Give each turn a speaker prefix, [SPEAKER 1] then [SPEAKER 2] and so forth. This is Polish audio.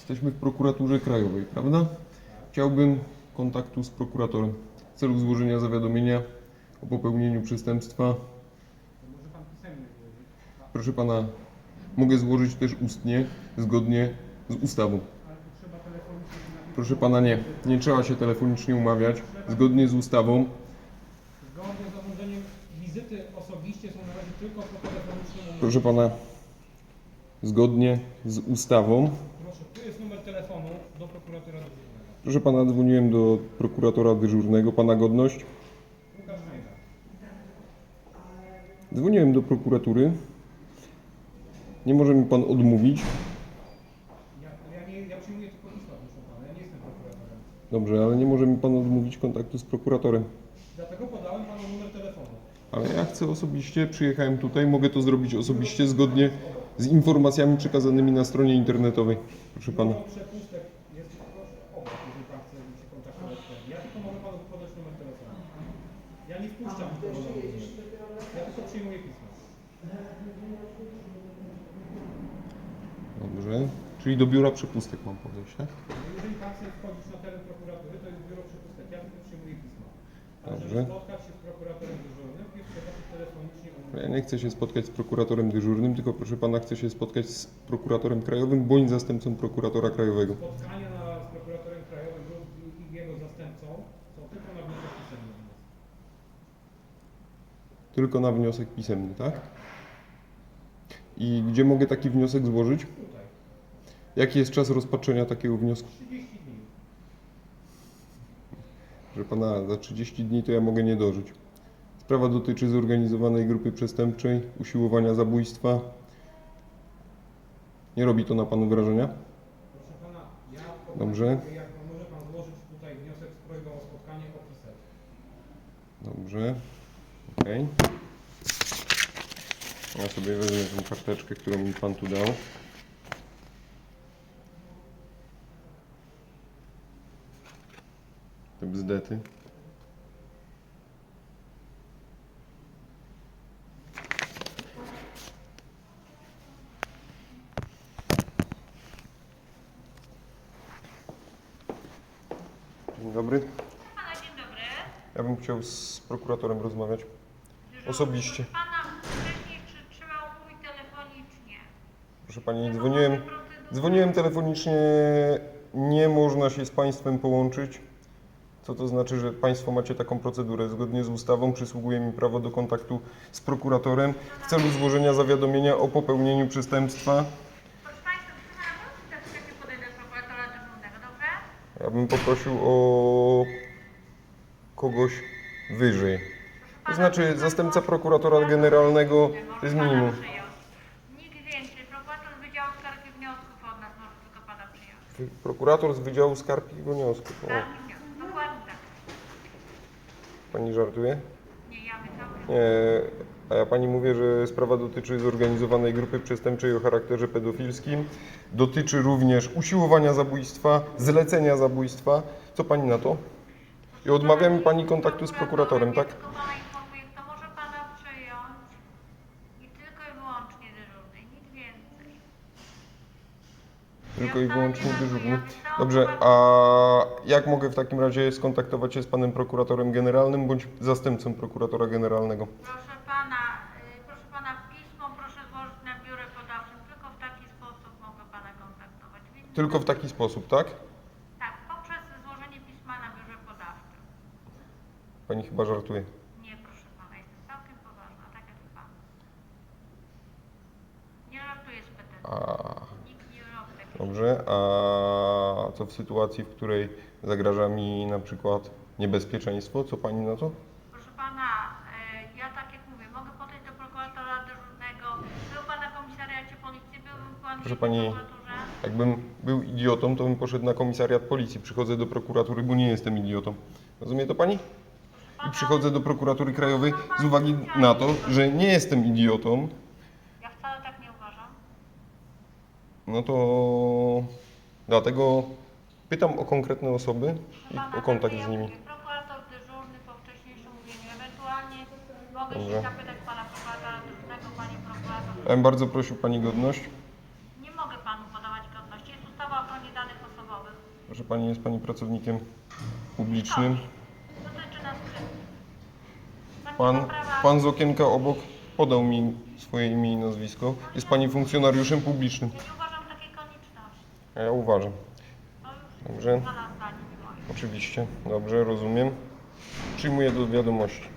[SPEAKER 1] Jesteśmy w prokuraturze krajowej, prawda? Chciałbym kontaktu z prokuratorem w celu złożenia zawiadomienia o popełnieniu przestępstwa.
[SPEAKER 2] Może pan pisemnie złożyć.
[SPEAKER 1] Proszę pana, mogę złożyć też ustnie, zgodnie z ustawą.
[SPEAKER 2] Ale to trzeba telefonicznie napisać.
[SPEAKER 1] Proszę pana, nie trzeba się telefonicznie umawiać. Zgodnie z ustawą.
[SPEAKER 2] Zgodnie z zarządzeniem wizyty osobiście są na razie tylko po telefonicznym umowie.
[SPEAKER 1] Proszę pana, zgodnie z ustawą.
[SPEAKER 2] Proszę, tu jest numer telefonu do prokuratora dyżurnego.
[SPEAKER 1] Proszę pana, dzwoniłem do prokuratora dyżurnego. Pana godność?
[SPEAKER 2] Łukasz Majda.
[SPEAKER 1] Dzwoniłem do prokuratury. Nie może mi pan odmówić.
[SPEAKER 2] Ja przyjmuję tylko pisma, proszę pana. Ja nie jestem prokuratorem.
[SPEAKER 1] Dobrze, ale nie może mi pan odmówić kontaktu z prokuratorem.
[SPEAKER 2] Dlatego podałem panu numer telefonu.
[SPEAKER 1] Ale ja chcę osobiście, przyjechałem tutaj, mogę to zrobić osobiście zgodnie z informacjami przekazanymi na stronie internetowej. Proszę pana.
[SPEAKER 2] Biuro przepustek jest proszę obok, jeżeli pan chce się kontaktować. Ja tylko mogę panu podać numer telefonu. Ja nie wpuszczam nikogo na numer. Ja tylko przyjmuję pisma.
[SPEAKER 1] Dobrze. Czyli do biura przepustek mam podejść, tak?
[SPEAKER 2] Jeżeli pan chce wchodzić na teren prokuratury, to jest biuro przepustek. Ja tylko przyjmuję pisma. Ale
[SPEAKER 1] Dobrze.
[SPEAKER 2] żeby spotkać się z prokuratorem dyżurnym, jest trzeba się telefonicznie umówić.
[SPEAKER 1] Ja nie chcę się spotkać z prokuratorem dyżurnym, tylko proszę pana, chcę się spotkać z prokuratorem krajowym bądź zastępcą prokuratora krajowego.
[SPEAKER 2] Spotkania z prokuratorem krajowym lub i jego zastępcą są tylko na wniosek pisemny.
[SPEAKER 1] Tylko na wniosek pisemny, tak? I gdzie mogę taki wniosek złożyć?
[SPEAKER 2] Tutaj.
[SPEAKER 1] Jaki jest czas rozpatrzenia takiego wniosku?
[SPEAKER 2] 30 dni.
[SPEAKER 1] Proszę pana, za 30 dni to ja mogę nie dożyć. Sprawa dotyczy zorganizowanej grupy przestępczej, usiłowania zabójstwa. Nie robi to na panu wrażenia?
[SPEAKER 2] Proszę pana, ja
[SPEAKER 1] Dobrze.
[SPEAKER 2] jak może pan złożyć tutaj wniosek z prośbą o spotkanie, opisać.
[SPEAKER 1] Dobrze. Okej. Ja sobie wezmę tę karteczkę, którą mi pan tu dał. Te bzdety. Dzień dobry.
[SPEAKER 3] Pana, dzień dobry.
[SPEAKER 1] Ja bym chciał z prokuratorem rozmawiać.
[SPEAKER 3] Dyżurny,
[SPEAKER 1] Osobiście.
[SPEAKER 3] proszę pana, wcześniej czy trzeba umówić telefonicznie?
[SPEAKER 1] Proszę pani,
[SPEAKER 3] Procedury.
[SPEAKER 1] dzwoniłem telefonicznie, nie można się z państwem połączyć. Co to znaczy, że państwo macie taką procedurę? Zgodnie z ustawą przysługuje mi prawo do kontaktu z prokuratorem w celu złożenia zawiadomienia o popełnieniu przestępstwa.
[SPEAKER 3] Proszę państwa, proszę pana, proszę tak podejdę do prokuratora dyżurnego, dobrze?
[SPEAKER 1] Ja bym poprosił o kogoś wyżej. To znaczy zastępca prokuratora generalnego to jest minimum.
[SPEAKER 3] Nikt więcej. Prokurator z Wydziału Skarg i Wniosków od nas może tylko pana przyjąć.
[SPEAKER 1] Prokurator z Wydziału Skarg i Wniosków. O,
[SPEAKER 3] Skarg i Wniosków. Dokładnie tak.
[SPEAKER 1] pani żartuje?
[SPEAKER 3] Nie, ja myślałam.
[SPEAKER 1] Nie, a ja pani mówię, że sprawa dotyczy zorganizowanej grupy przestępczej o charakterze pedofilskim. Dotyczy również usiłowania zabójstwa, zlecenia zabójstwa. Co pani na to? I odmawia mi pani kontaktu z prokuratorem, tak?
[SPEAKER 3] Tylko pana informuję, kto może pana przyjąć i tylko i wyłącznie dyżurny, nic więcej.
[SPEAKER 1] Tylko i wyłącznie dyżurny. Dobrze, a jak mogę w takim razie skontaktować się z panem prokuratorem generalnym bądź zastępcą prokuratora generalnego?
[SPEAKER 3] Proszę pana, pismo proszę złożyć na biurę podawczym. Tylko w taki sposób mogę pana kontaktować.
[SPEAKER 1] Tylko w taki sposób, tak?
[SPEAKER 3] Tak, poprzez złożenie pisma na biurze podawczym.
[SPEAKER 1] Pani chyba żartuje.
[SPEAKER 3] Nie, proszę pana, jestem całkiem poważna, tak jak pan. Nie żartuję z PTT. Nikt nie robi takiego.
[SPEAKER 1] Dobrze, a co w sytuacji, w której zagraża mi na przykład niebezpieczeństwo? Co pani na to?
[SPEAKER 3] Proszę pana, ja tak jak mówię, mogę podejść do prokuratora dyżurnego. Był pan na komisariacie policji, byłbym pan
[SPEAKER 1] Proszę
[SPEAKER 3] w
[SPEAKER 1] pani,
[SPEAKER 3] prokuraturze.
[SPEAKER 1] jakbym był idiotą, to bym poszedł na komisariat policji. Przychodzę do prokuratury, bo nie jestem idiotą. Rozumie to pani? I przychodzę do prokuratury krajowej z uwagi na to, że nie jestem idiotą.
[SPEAKER 3] Ja wcale tak nie uważam.
[SPEAKER 1] No to dlatego pytam o konkretne osoby i o kontakt z nimi.
[SPEAKER 3] Prokurator dyżurny po wcześniejszym mówieniu. Ewentualnie mogę
[SPEAKER 1] Dobrze.
[SPEAKER 3] się zapytać pana prokuratora dyżurnego, panie prokurator.
[SPEAKER 1] Ja bym bardzo prosił pani godność.
[SPEAKER 3] Nie mogę panu podawać godności. Jest ustawa o ochronie danych
[SPEAKER 1] Proszę Pani, jest Pani pracownikiem publicznym.
[SPEAKER 3] Dotyczy nas wszystkich.
[SPEAKER 1] Pan,
[SPEAKER 3] nie ma prawa-
[SPEAKER 1] pan z okienka obok podał mi swoje imię i nazwisko. Jest Pani funkcjonariuszem publicznym.
[SPEAKER 3] Ja nie uważam takiej konieczności.
[SPEAKER 1] A ja uważam.
[SPEAKER 3] To już
[SPEAKER 1] Dobrze.
[SPEAKER 3] Pana zdanie, nie moje.
[SPEAKER 1] Oczywiście. Dobrze, rozumiem. Przyjmuję do wiadomości.